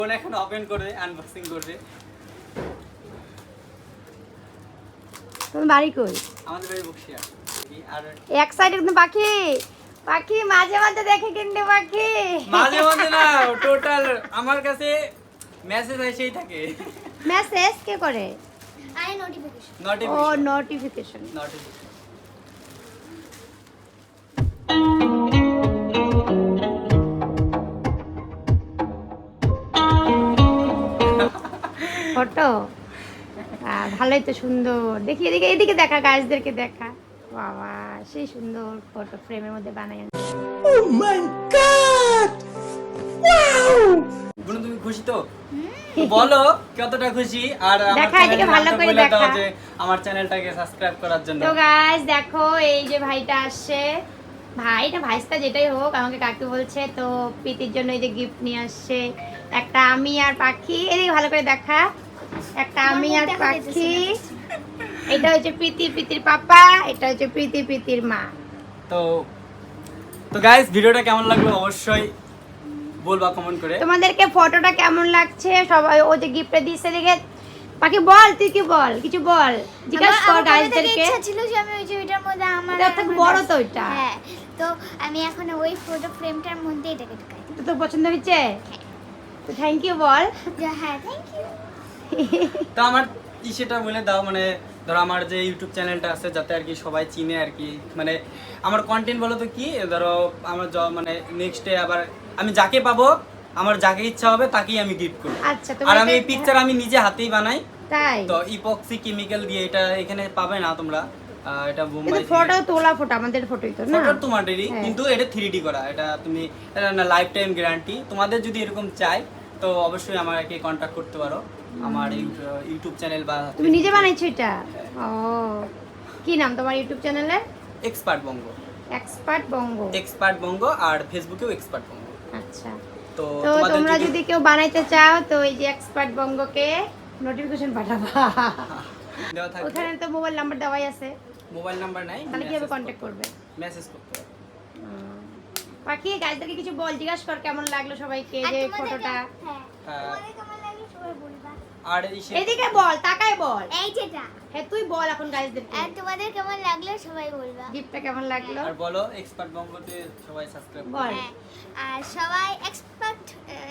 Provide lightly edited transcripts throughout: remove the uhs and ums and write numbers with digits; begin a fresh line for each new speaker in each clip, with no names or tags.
Phone এখন open করে unboxing করবে।
তুমি বাড়ি কই?
আমাদের বাড়ি বক্সিয়া। আর
এক সাইডে কিন্তু পাখি পাখি মাঝে মাঝে দেখে কিন্তু পাখি
মাঝে মাঝে না, টোটাল আমার কাছে মেসেজ এসেই থাকে।
মেসেজ কে করে?
আই নোটিফিকেশন।
ও নোটিফিকেশন। ফটো ভালোই তো সুন্দর। দেখি এদিকে এদিকে দেখা, গাছদেরকে দেখা। বাবা সেই সুন্দর ফটো ফ্রেমের মধ্যে বানায়।
Oh my god, wow! বুনু তুমি খুশি তো? বলো কতটা খুশি। আর
দেখা এদিকে ভালো করে দেখা
যে আমার চ্যানেলটাকে সাবস্ক্রাইব করার জন্য।
তো গাইস দেখো এই যে ভাইটা আসছে, ভাইটা ভাইস্তা যেটাই হোক আমাকে কাকু বলছে, তো প্রীতির জন্য এই যে গিফট নিয়ে আসছে। একটা আমি আর পাখি, এদিকে ভালো করে দেখা। একটা আমি আর পাখি, এটা হচ্ছে প্রীতি প্রীতির পাপা, এটা হচ্ছে প্রীতি প্রীতির মা।
তো তো গাইস ভিডিওটা কেমন লাগলো অবশ্যই বলবা কমেন্ট করে।
তোমাদেরকে ফটোটা কেমন লাগছে সবাই, ও যে গিফটটা দিয়েছে দেখে। পাখি বল, তুই কি বল, কিছু বল, জিজ্ঞাসা কর গাইসদেরকে।
ইচ্ছা ছিল যে আমি ওই যে ওইটার মধ্যে আমার
এটা তো বড় তো এটা।
হ্যাঁ, তো আমি এখন ওই ফটো ফ্রেমটার মধ্যে এটাকে ঢুকাই।
তো তোর পছন্দ হয়েছে? তো থ্যাংক ইউ বল।
হ্যাঁ, থ্যাংক ইউ।
তো আমার সেটা বলে দাও, মানে ধরো আমার যে ইউটিউব চ্যানেলটা আছে যাতে আর কি সবাই চিনে আর কি, মানে আমার কন্টেন্ট বলো তো কি, ধরো আমার মানে নেক্সটে আবার আমি যাকে পাবো, আমার যাকে ইচ্ছা হবে তাকেই আমি গিফট করব।
আচ্ছা,
আর আমি এই পিকচার আমি নিজে হাতেই বানাই।
তাই
তো ইপক্সি কেমিক্যাল দিয়ে, এটা এখানে পাবে না তোমরা, এটা বোম্বাই
ফটো তোলা ফটো আমাদের ফটোই তো না,
ফটো তোমাদেরই,
হ্যাঁ।
কিন্তু এটা 3D করা। এটা তুমি এটা না লাইফ টাইম গ্যারান্টি। তোমাদের যদি এরকম চাই তো অবশ্যই আমাকে কন্টাক্ট করতে পারো আমার ইউটিউব চ্যানেল বা
তুমি নিজে বানাইছো এটা? ও কি নাম তোমার ইউটিউব চ্যানেলের?
Expert Banga.
Expert Banga.
Expert Banga, আর ফেসবুকেও এক্সপার্ট বঙ্গ।
আচ্ছা,
তো
তো
তোমাদের
তোমরা যদি কেউ বানাইতে চাও তো এই যে এক্সপার্ট বঙ্গকে নোটিফিকেশন পাঠাবা।
দেওয়া থাকবে,
ওখানে তো মোবাইল নাম্বার দেওয়াই আছে,
মোবাইল নাম্বার নাই,
তাহলে কিভাবে কন্ট্যাক্ট করবে?
মেসেজ করতে হবে।
বাকি গাইজদেরকে কিছু বল, জিজ্ঞাসা কর কেমন লাগলো সবাইকে যে ফটোটা।
হ্যাঁ,
তোমাদের কেমন লাগলো সবাই বলবা।
আর
এদিকে বল, তাকায় বল।
এই যেটা,
হ্যাঁ তুই বল এখন গাইজদেরকে
আর তোমাদের কেমন লাগলো সবাই বলবা।
গিফটটা কেমন লাগলো
আর বলো এক্সপার্ট বঙ্গতে সবাই সাবস্ক্রাইব করো।
বল।
হ্যাঁ, আর সবাই expert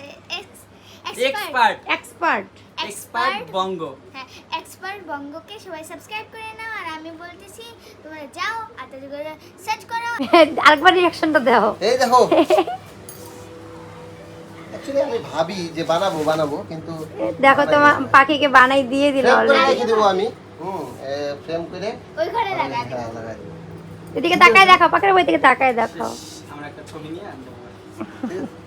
expert
expert
expert Banga,
হ্যাঁ, এক্সপার্ট বঙ্গকে সবাই সাবস্ক্রাইব করে নাও। আর আমি বলতেছি তোমরা যাও আর তাদের করে সার্চ করো।
আরেকবার রিঅ্যাকশনটা দাও।
এই দেখো, অ্যাকচুয়ালি আমি ভাবি যে বানাবো কিন্তু
দেখো তোমার পাখিকে বানাই দিয়ে দিল
ফ্রেম করে
অলরেডি।
রেখে দেবো আমি। ফ্রেম করে
ওই ঘরে লাগা দেবো।
হ্যাঁ লাগাই দেবো।
এদিকে তাকায় দেখো, পাখির বই থেকে তাকায় দেখো।
আমরা একটা ছবি নিয়ে আনবো।
ঠিক আছে?